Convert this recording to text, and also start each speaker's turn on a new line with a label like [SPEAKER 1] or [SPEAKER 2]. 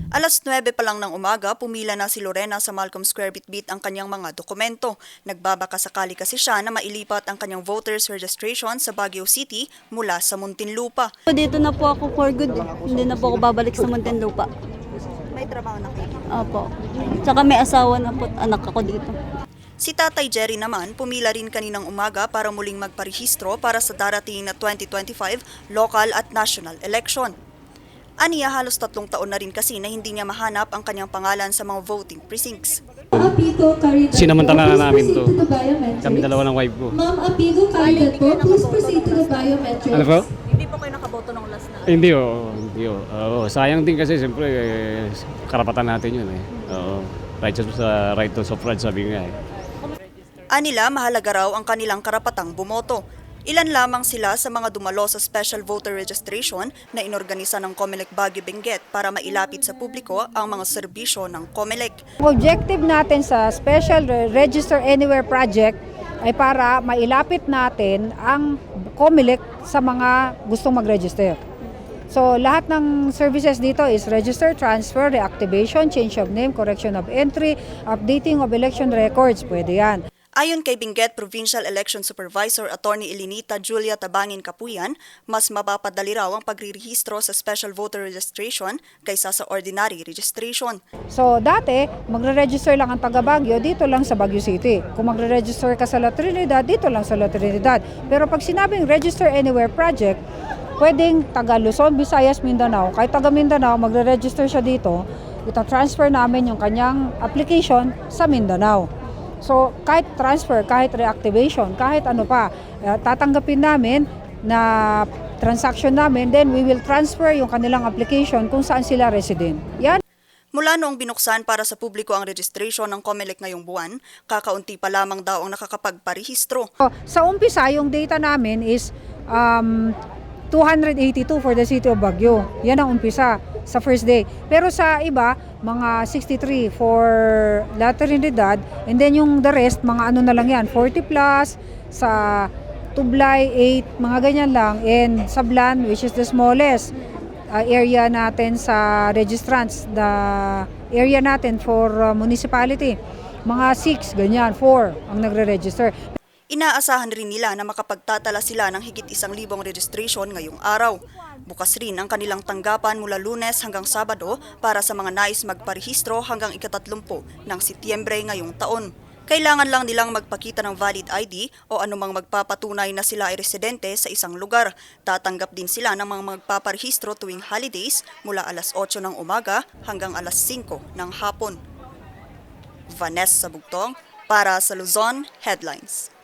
[SPEAKER 1] Alas 9 pa lang ng umaga, pumila na si Lorena sa Malcolm Square Bitbit ang kanyang mga dokumento. Nagbabaka sakali kasi siya na mailipat ang kanyang voters registration sa Baguio City mula sa Muntinlupa.
[SPEAKER 2] Dito na po ako for good. Hindi na po ako babalik sa Muntinlupa.
[SPEAKER 1] May trabaho na kayo?
[SPEAKER 2] Opo. Tsaka may asawa na po at anak ako dito.
[SPEAKER 1] Si Tatay Jerry naman, pumila rin kaninang umaga para muling magparehistro para sa darating na 2025 local at national election. Aniya halos 3 taon na rin kasi na hindi niya mahanap ang kanyang pangalan sa mga voting precincts.
[SPEAKER 3] Sinamantala na namin to. Kami dalawa ng wife ko.
[SPEAKER 4] Ma'am Apigo Caridat po, please proceed to the biometrics.
[SPEAKER 3] Ano po?
[SPEAKER 1] Hindi po kayo nakaboto ng last na.
[SPEAKER 3] Hindi oh, hindi oh. Sayang din kasi siyempre karapatan natin yun eh. Oo. Right to suffrage sabi nga eh.
[SPEAKER 1] Anila mahalaga raw ang kanilang karapatang bumoto. Ilan lamang sila sa mga dumalo sa special voter registration na inorganisa ng COMELEC Baguio Benguet para mailapit sa publiko ang mga serbisyo ng COMELEC.
[SPEAKER 5] Objective natin sa Special Register Anywhere Project ay para mailapit natin ang COMELEC sa mga gustong mag-register. So lahat ng services dito is register, transfer, reactivation, change of name, correction of entry, updating of election records, pwede yan.
[SPEAKER 1] Ayon kay Benguet Provincial Election Supervisor Attorney Elinita Julia Tabangin Kapuyan, mas mapapadali raw ang pagrerehistro sa special voter registration kaysa sa ordinary registration.
[SPEAKER 5] So dati, magre-register lang ang taga Baguio dito lang sa Baguio City. Kung magre-register ka sa La Trinidad, dito lang sa La Trinidad. Pero pag sinabing Register Anywhere Project, pwedeng taga Luzon, Visayas, Mindanao. Kahit taga Mindanao, magre-register siya dito, ita-transfer namin yung kanyang application sa Mindanao. So kahit transfer, kahit reactivation, kahit ano pa, tatanggapin namin na transaction namin, then we will transfer yung kanilang application kung saan sila resident. Yan.
[SPEAKER 1] Mula noong binuksan para sa publiko ang registration ng COMELEC ngayong buwan, kakaunti pa lamang daw ang nakakapagparehistro.
[SPEAKER 5] Sa umpisa, yung data namin is 282 for the city of Baguio. Yan ang umpisa sa first day. Pero sa iba, mga 63 for La Trinidad, and then yung the rest, mga ano na lang yan, 40 plus, sa Tublay, 8, mga ganyan lang, and Sablan, which is the smallest area natin sa registrants, the area natin for municipality, mga 6, ganyan, 4 ang nagre-register.
[SPEAKER 1] Inaasahan rin nila na makapagtatala sila ng higit 1,000 registration ngayong araw. Bukas rin ang kanilang tanggapan mula Lunes hanggang Sabado para sa mga nais magparehistro hanggang ika-30 ng Setyembre ngayong taon. Kailangan lang nilang magpakita ng valid ID o anumang magpapatunay na sila ay residente sa isang lugar. Tatanggap din sila ng mga magpaparehistro tuwing holidays mula alas 8 ng umaga hanggang alas 5 ng hapon. Vanessa Bugtong para sa Luzon Headlines.